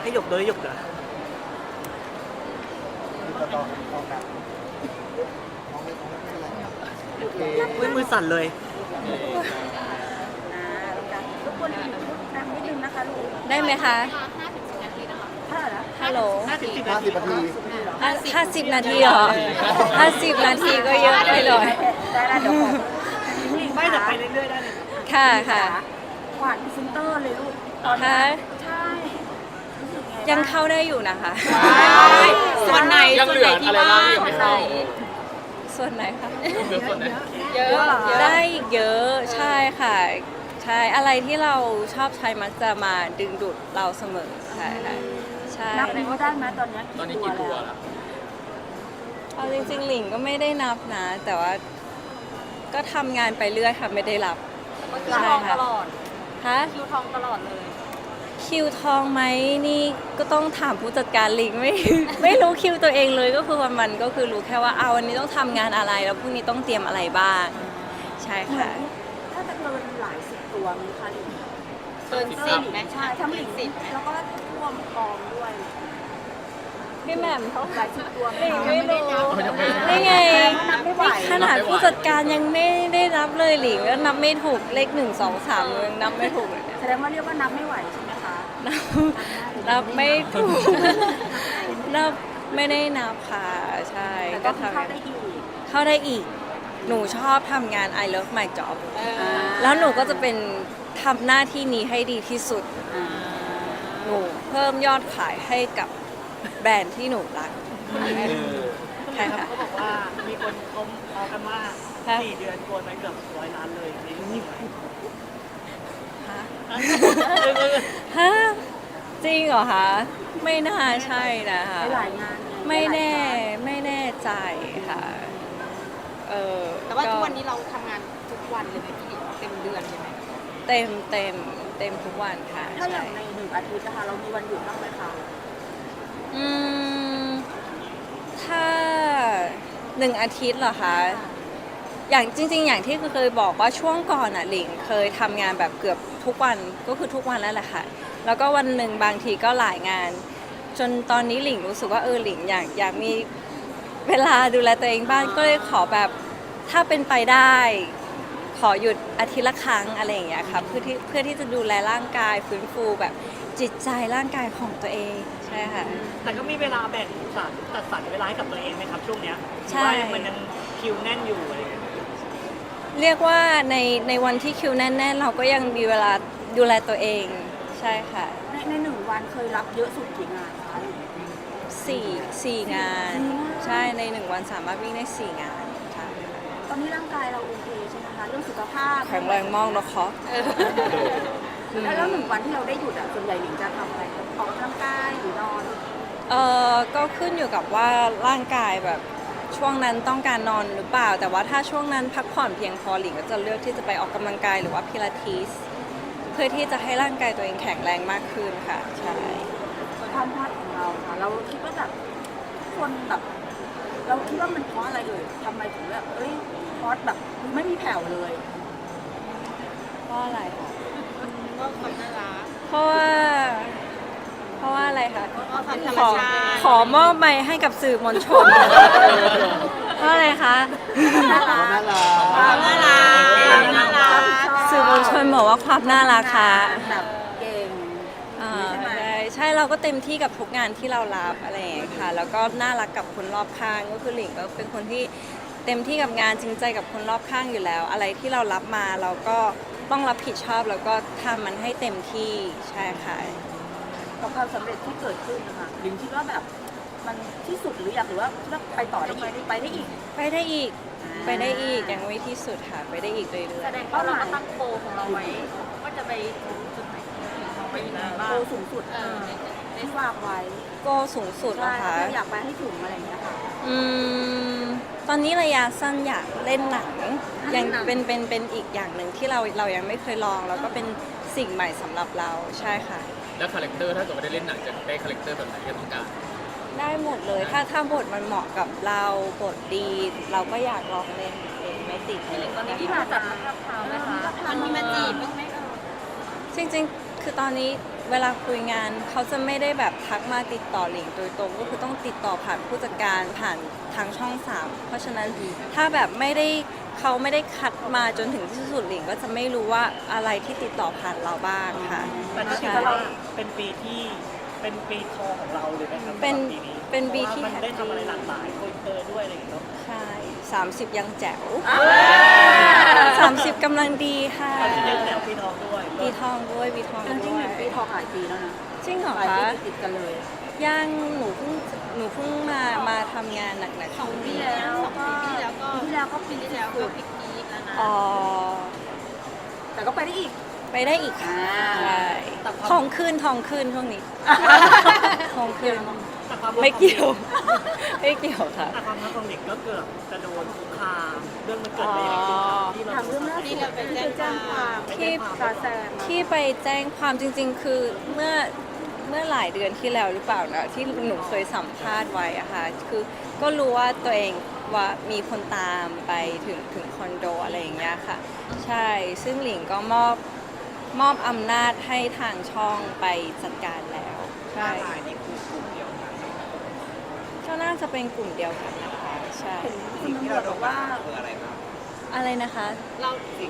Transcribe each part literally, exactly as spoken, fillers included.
ให้หยกเลยหยกเหรอต่อต่อต่อแบบน้องไม่ต้องไม่เป็นไรโอเคมือมือสั่นเลยอ่าลูกกันทุกคนพูดดังนิดนึงนะคะลูกได้ไหมคะเท่าไหร่ละฮัลโหลห้าสิบสิบห้านาสิทีบนาทีห้าสิบนาทีเหรอห้าสิบนาทีก็เยอะไปหน่อยได้แล้วเดี๋ยวขอไม่แต่ไปเรื่อยๆได้เลยค่ะค่ะหวานพรีเซนเตอร์เลยลูกตอนค่ะใช่รู้สึกไงยังเข้าได้อยู่นะคะส่วนไหนยังเหลืออะไรบ้างที่ยังไม่เข้าส่วนไหนคะเหลือส่วนไหนเยอะได้อีกเยอะใช่ค่ะ ใช่อะไรที่เราชอบใช้มักจะมาดึงดูดเราเสมอใช่ค่ะใช่นับนิ้วได้ไหมตอนนี้ตอนนี้กี่ตัวแล้วเอาจริงๆหลิงก็ไม่ได้นับนะ แต่ว่าก็ทำงานไปเรื่อยค่ะไม่ได้รับคิวทองตลอดฮะคิวทองตลอดเลยคิวทองไหมนี่ก็ต้องถามผู้จัดการหลิงไม่ ไม่รู้คิวตัวเองเลยก็คือวันมันก็คือรู้แค่ว่าเอาวันนี้ต้องทำงานอะไรแล้วพรุ่งนี้ต้องเตรียมอะไรบ้างใช่ค่ะถ้าจะเกินหลายสิบตัวมีคะหลิงเกินสิบไหมใช่ทั้งหลิงสิบแล้วก็ท่วมกองด้วยพี่แหม่มเขาหลายสิบตัวไหมหลิงคะไม่รู้ยังไม่นี่ไงนับไม่ไหวขนาดผู้จัดการยังไม่ได้นับเลยหลิงก็นับไม่ถูกเลขหนึ่งสองสามยังนับไม่ถูกเลยเนี่ยแสดงว่าเรียกว่านับไม่ไหวใช่ไหมคะนับนับไม่ถูกนับไม่ได้นับค่ะใช่แต่ก็ก็ทำเข้าได้อีกเข้าได้อีก หนูชอบทำงาน I love my job แล้วหนูก็จะเป็นทำหน้าที่นี้ให้ดีที่สุด หนูเพิ่มยอดขายให้กับแบรนด์ที่หนูรักใช่ค่ะเขาบอกว่ามีคนเขาเอากันว่าค่ะสี่เดือนโกนไปเกือบร้อยล้านเลยนี่จริงไหมฮะเออเออฮะจริงเหรอคะ ไม่น่าใช่นะคะหลายๆงานไงไม่แน่หลายๆไม่แน่ใจค่ะ เออแต่ว่าก็ทุกวันนี้เราทำงานทุกวันเลยไหมพี่เต็มเดือนเลยไหมเต็มเต็มเต็มทุกวันค่ะถ้าอใช่ย่างในหนึ่งอาทิตย์นะคะเรามีวันหยุดบ้างไหมคะอืมถ้าหนึ่งอาทิตย์เหรอคะ อย่างจริง ๆ อย่างที่เคยบอกว่าช่วงก่อนอ่ะหลิงเคยทำงานแบบเกือบทุกวันก็คือทุกวันแล้วแหละค่ะ แล้วก็วันหนึ่งบางทีก็หลายงาน จนตอนนี้หลิงรู้สึกว่าเออหลิงอยากอยากมีเวลาดูแลตัวเองบ้างก็เลยขอแบบถ้าเป็นไปได้ ขอหยุดอาทิตย์ละครั้งอะไรอย่างเงี้ยค่ะเพื่อที่เพื่อที่จะดูแลร่างกายฟื้นฟูแบบจิตใจร่างกายของตัวเองใช่ค่ะแต่ก็มีเวลาแบ่งสรรจัดสรรเวลาให้กับตัวเองไหมครับช่วงเนี้ยใช่ว่ามันยังคิวแน่นอยู่อะไรอย่างเงี้ยเรียกว่าในในวันที่คิวแน่นๆ เราก็ยังมีเวลาดูแลตัวเองใช่ค่ะในในหนึ่งวันเคยรับเยอะสุดกี่งานคะสี่สี่งานสี่งานใช่ในหนึ่งวันสามารถวิ่งได้สี่งานใช่ค่ะตอนนี้ร่างกายเราโอเคใช่ไหมคะเรื่องสุขภาพแข็งแรงมากนะคะแล้วแล้วหนึ่งวันที่เราได้หยุดอ่ะส่วนใหญ่หลิงจะทำอะไรออกกำลังกายหรือนอนเออก็ขึ้นอยู่กับว่าร่างกายแบบช่วงนั้นต้องการนอนหรือเปล่า แต่ว่าถ้าช่วงนั้นพักผ่อนเพียงพอหลิงก็จะเลือกที่จะไปออกกำลังกายหรือว่าพิลาทิสเพื่อที่จะให้ร่างกายตัวเองแข็งแรงมากขึ้นค่ะใช่ความพลาดของเราค่ะ เราคิดว่าแบบคนแบบ เราคิดว่ามันเพราะอะไรเอ่ยทำไมถึงแบบเอ้ยพอดแบบไม่มีแผ่วเลยเพราะอะไรคะก็ความน่ารักเพราะว่า เพราะว่าอะไรคะก็ความธรรขมอชาติขอมอบไมค์ให้กับสื่อมวลชน เพราะอะไรคะน่ารัน่าก รักความน่ารักความน่ารักสื่อมวลชนบอกว่าความน่ารักค่ะแบบเก่งอ่าใช่ไหมใช่ใช่เราก็เต็มที่กับทุกงานที่เรารับอะไรอย่างเงี้ยค่ะ แล้วก็น่ารักกับคนรอบข้างก็คือหลิงก็เป็นคนที่เต็มที่กับงานจริงใจกับคนรอบข้างอยู่แล้ว อะไรที่เรารับมาเราก็ต้องรับผิดชอบแล้วก็ทำมันให้เต็มที่ใช่ค่ะกับความสำเร็จที่เกิดขึ้นนะคะหลิงคิดว่าแบบมันที่สุดหรืออยากหรือว่าคิดว่าไปต่อได้อีกไปได้อีกไปได้อีกไปได้อีกยังไม่ที่สุดค่ะไปได้อีกเรื่อยแสดงว่าเราก็ตั้งโกของเราไว้ว่าจะไปถึงจุดไหนเราไปยังไงบ้างโตสูงสุดเออที่วางไว้ๆโกสูงสุดใช่นะคะอยากไปให้ถึงอะไรอย่างเงี้ยค่ะอืมตอนนี้ระยะสั้นอยากเล่นหนังยังเป็นเป็นเป็นอีกอย่างหนึ่งที่เราเรายังไม่เคยลองแล้วก็เป็นสิ่งใหม่สำหรับเราใช่ค่ะแล้วคาแรคเตอร์ถ้าเกิดว่าได้เล่นหนังจะได้คาแรคเตอร์แบบไหนที่ต้องการได้หมดเลยถ้าถ้าบทมันเหมาะกับเราบทดี เราก็อยากลองเล่นเองไม่ติดเลยตอนนี้ที่มาจัดมะพร้าวไหมคะมันมีมาจีบบ้างไหมเออจริงๆ คือตอนนี้เวลาคุยงานเขาจะไม่ได้แบบทักมาติดต่อหลิงโดยตรงก็คือต้องติดต่อผ่านผู้จัดการผ่านทางช่องสามเพราะฉะนั้นถ้าแบบไม่ได้เขาไม่ได้คัดมาจนถึงที่สุดหลิงก็จะไม่รู้ว่าอะไรที่ติดต่อผ่านเราบ้างค่ะแต่ก็ถือใช่ว่าเป็นปีที่เป็นปีทองของเราเลยไหมครับเป็นสำหรับปีนี้เป็นปีที่พราะว่ามันได้ทำอะไรหลากหลายโกลเตอร์ด้วยอะไรอย่างเงี้ยเนาะใช่สามสิบยังแจ๋วสามสิบกำลังดีค่ะตอนนี้ยังแถวปีทองด้วยปีทองด้วยปีทองจริงด้วยๆปีทองหลายปีแล้วนะจริงเหรอหลายคะปีติดๆกันเลยยังหนูเพิ่งหนูเพิ่งมามาทำงานหนักๆสองปีช่วงนี้แล้วสองปีที่แล้วก็ปีที่แล้วก็ปีที่แล้วก็พิกนีกแล้วนะอ๋อแต่ก็ไปได้อีกไปได้อีกค่ะอ่าใช่ทองขึ้นทองขึ้นช่วงนี้ทองขึ้นแต่ความไม่เกี่ยว ไม่เกี่ยวค่ะแต่ความรักของเด็กก็เกือบจะโดนคุกคามเรื่องมันเกิดอะไรอย่างเงี้ยครับที่เราทางเรื่องล่าสุดที่ไปแจ้งความที่ซาแซงที่ไปแจ้งความจริงๆ คือเมื่อเมื่อหลายเดือนที่แล้วหรือเปล่านะที่หนูเคยสัมภาษณ์ไว้อะค่ะคือก็รู้ว่าตัวเองว่ามีคนตามไปถึงถึงคอนโดอะไรอย่างเงี้ยค่ะ ใช่ซึ่งหลิงก็มอบมอบอำนาจให้ทางช่องไปจัดการแล้วใช่ก็น่าจะเป็นกลุ่มเดียวกันนะคะใช่คุณตำรวจบอกว่าอะไรนะคะเรา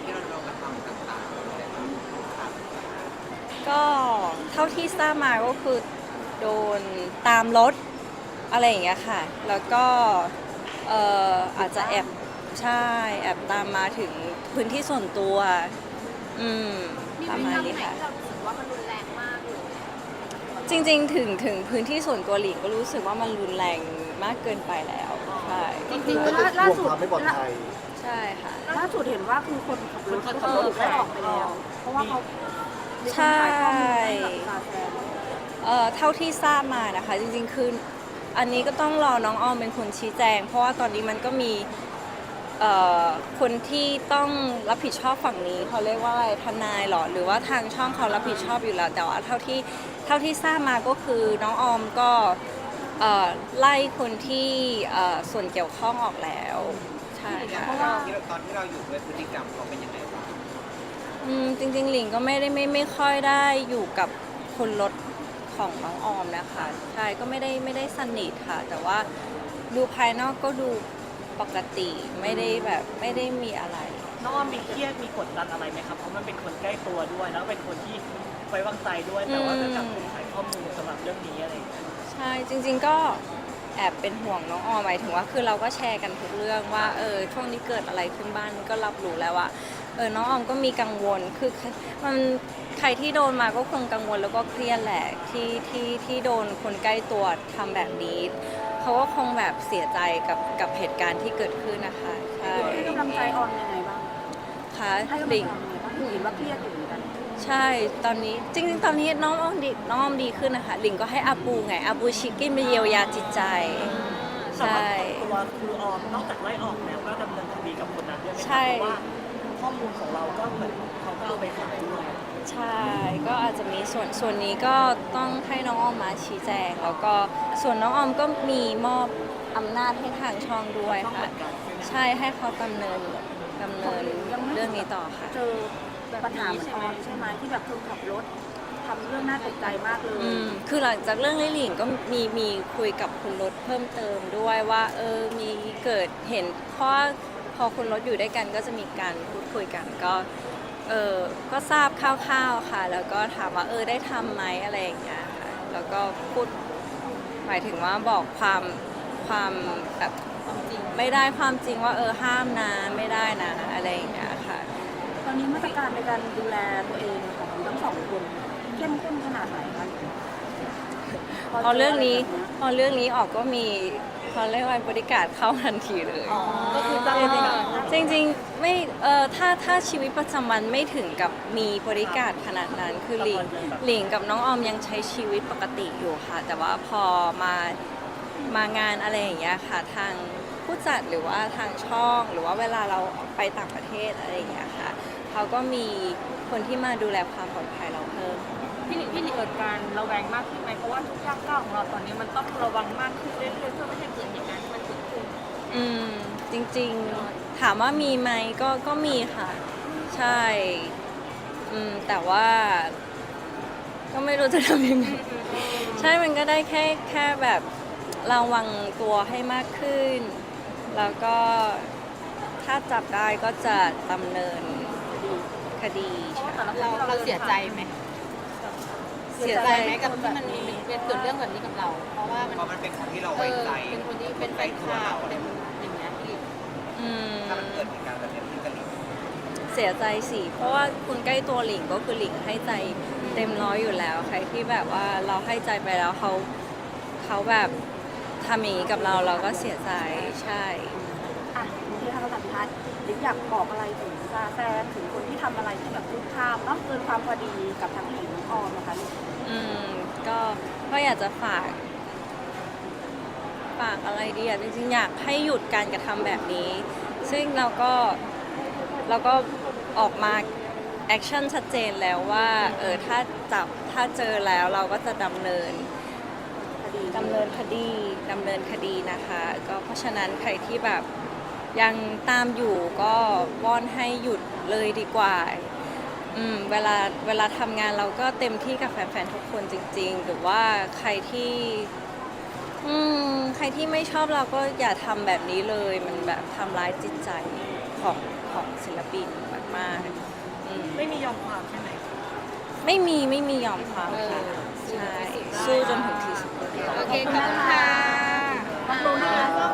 ก็เท่าที่ทราบมาก็คือโดนตามรถอะไรอย่างเงี้ยค่ะ แล้วก็เอ่ออาจจะแอบใช่แอบตามมาถึงพื้นที่ส่วนตัว อืมมีประพฤติมาณกรรมนี้ไหนค่ะที่เรารู้สึกว่ามันรุนแรงมากเลยจริงๆ ถึงถึงพื้นที่ส่วนตัวหลิงก็รู้สึกว่ามันรุนแรงมากเกินไปแล้วใช่จริงๆก็ล่าจะล่ากลัวสุดความไม่ปลอดภัยใช่ค่ะล่าสุดเห็นว่าคือคนขับรถก็ถูกไล่ออกไปแล้ว เพราะว่าเขามีคนใช่ขายข้อมูลให้กับซาแซงเอ่อเท่าที่ทราบมานะคะ จริงๆ คืออันนี้ก็ต้องรอน้องออมเป็นคนชี้แจง เพราะว่าตอนนี้มันก็มีเอ่อคนที่ต้องรับผิดชอบฝั่งนี้เขาเรียกว่าอะไรทนายเหรอหรือว่าทางช่องเขารับผิดชอบอยู่แล้ว แต่ว่าเท่าที่เท่าที่ทราบมาก็คือน้องออมก็เอ่อไล่คนที่เอ่อส่วนเกี่ยวข้องออกแล้วใช่ค่ะเพราะว่าตอนที่เราอยู่ด้วยพฤติกรรมเขาเป็นยังไงบ้างอืมจริงๆหลิงก็ไม่ได้ไม่ไม่ค่อยได้อยู่กับคนรถของน้องออมนะคะใช่ก็ไม่ได้ไม่ได้สนิทค่ะ แต่ว่าดูภายนอกก็ดูปกติไม่ได้แบบไม่ได้มีอะไรน้องออมมีเครียดมีกดดันอะไรไหมครับเพราะมันเป็นคนใกล้ตัวด้วยแล้วเป็นคนที่ไว้วางใจด้วยแต่ว่าก็กลับถูกขายข้อมูลสำหรับเรื่องนี้อะไรอย่างเงี้ยใช่จริงๆก็แอบเป็นห่วงน้องออมหมายถึงว่าคือเราก็แชร์กันทุกเรื่องว่าเออช่วงนี้เกิดอะไรขึ้นบ้านก็รับรู้แล้วว่าเออน้องออมก็มีกังวลคือมันใครที่โดนมาก็คงกังวลแล้วก็เครียดแหละที่ที่ที่โดนคนใกล้ตัวทำแบบนี้เขาก็คงแบบเสียใจกับกับเหตุการณ์ที่เกิดขึ้นนะคะใช่ให้กำลังใจออนยังไงบ้างค่ะให้กำลังหลิงใจยังไงบ้างคือเห็นว่าเครียดอยู่เหมือนกันใช่ตอนนี้จริงๆ ตอนนี้น้องออมดีน้องออมดีขึ้นนะคะหลิงก็ให้อาปูไงอาปูชิคกินไปเยียวยาจิตใจแต่ว่าใช่ตัวครูออมนอกจากไล่ออกแล้วก็ดำเนินคดีกับคนนั้นด้วยไหมคใช่รับเพราะว่าข้อมูลของเราก็เหมือนเขาก็เอาไปขายด้วยใช่ ก็อาจจะมีส่วนส่วนนี้ก็ต้องให้น้องออมมาชี้แจง แล้วก็ส่วนน้องออมก็มีมอบอำนาจให้ทางช่องด้วยค่ะ ใช่ให้เขาดำเนินดำเนินเรื่องนี้ต่อค่ะเจอปัญหาเหมือนออนใช่ไหมที่แบบคนขับรถทำเรื่องน่าตกใจมากเลยอืมคือหลังจากเรื่องลิหลิงก็มีมีคุยกับคุณรถเพิ่มเติมด้วยว่าเออมีเกิดเห็นเพราะว่าพอคุณรถอยู่ด้วยกันก็จะมีการพูดคุยกันก็เออก็ทราบคร่าวๆค่ะ แล้วก็ถามว่าเออได้ทำไหมอะไรอย่างเงี้ยค่ะแล้วก็พูดหมายถึงว่าบอกความความแบบไม่ได้ความจริงว่าเออห้ามนะไม่ได้นะอะไรอย่างเงี้ยค่ะตอนนี้มาตรการในการดูแลตัวเองของทั้งสองคนเข้มข้นขนาดไหนคะพอเรื่องนี้พอเรื่องนี้ออกก็มีเขาเรียกว่าบริการเข้าทันทีเลยก็คือจ้างไปกับจริงๆไม่เออถ้าถ้าชีวิตประจำวันไม่ถึงกับมีบริการขนาดนั้นคือหลิงหลิงกับน้องออมยังใช้ชีวิตปกติอยู่ค่ะ แต่ว่าพอมามางานอะไรอย่างเงี้ยค่ะทางผู้จัดหรือว่าทางช่อง หรือว่าเวลาเราไปต่างประเทศอะไรอย่างเงี้ยค่ะเขาก็มีคนที่มาดูแลความปลอดภัยเราเพิ่มพี่หลิงพี่หลิงเกิดการระแวงมากขึ้นไหมเพราะว่าทุกย่างก้าวของเราตอนนี้มันต้องระวังมากขึ้นเรื่อยๆเพื่อไม่ให้เกิดเหตุการณ์ที่มันเกิดขึ้นอืมจริงๆถามว่ามีไหมก็ก็มีค่ะ ใช่อืมแต่ว่าก็ไม่รู้จะทำยังไงใช่มันก็ได้แค่แค่แบบระวังตัวให้มากขึ้น แล้วก็ถ้าจับได้ก็จะดำเนินคดีใช่เราเราเสียใจไหมเสียใจไหมกับที่มันมีเป็นเกิดเรื่องแบบนี้กับเรา เพราะว่ามันเพราะมันเป็นคนที่เราเอไว้อใจเป็นคนที่เป็นแฟนข่าวอะไรอย่างเงี้ยที่อืมถ้ามันเกิดเหตุการณ์แบบนี้ขึ้นกับหลิงเสียใจสิ เพราะว่าคุณใกล้ตัวหลิงก็คือหลิงให้ใจเต็มร้อยอยู่แล้ว ใครที่แบบว่าเราให้ใจไปแล้วเขาเขาแบบทำอย่างนี้กับเราเราก็เสียใจใช่อ่ะที่ทางสัมพันธ์หรืออยากบอกอะไรถึงซาแฟนถึงคนที่ทำอะไรที่แบบคุกคามเนาะเกินความพอดีกับทั้งหญิงทั้งออมนะคะลูกอืมก็ก็อยากจะฝาก ฝากอะไรดีอ่ะจริงๆอยากให้หยุดการกระทำแบบนี้ ซึ่งเราก็เราก็ออกมาแอคชั่นชัดเจนแล้วว่าเออถ้าจับถ้าเจอแล้วเราก็จะดำเนินคดีดำเนินคดีดำเนินคดีนะคะ ก็เพราะฉะนั้นใครที่แบบยังตามอยู่ก็วอนให้หยุดเลยดีกว่าอืมเวลาเวลาทำงานเราก็เต็มที่กับแฟนๆทุกคนจริงๆ หรือว่าใครที่อืมใครที่ไม่ชอบเราก็อย่าทำแบบนี้เลย มันแบบทำร้ายจิตใจของของศิลปินมากๆอืมไม่มียอมความใช่ไหมไม่มีไม่มียอมความค่ะใช่สู้จนถึงที่สุดโอเคขอบคุณค่ะขอบคุณนะคะ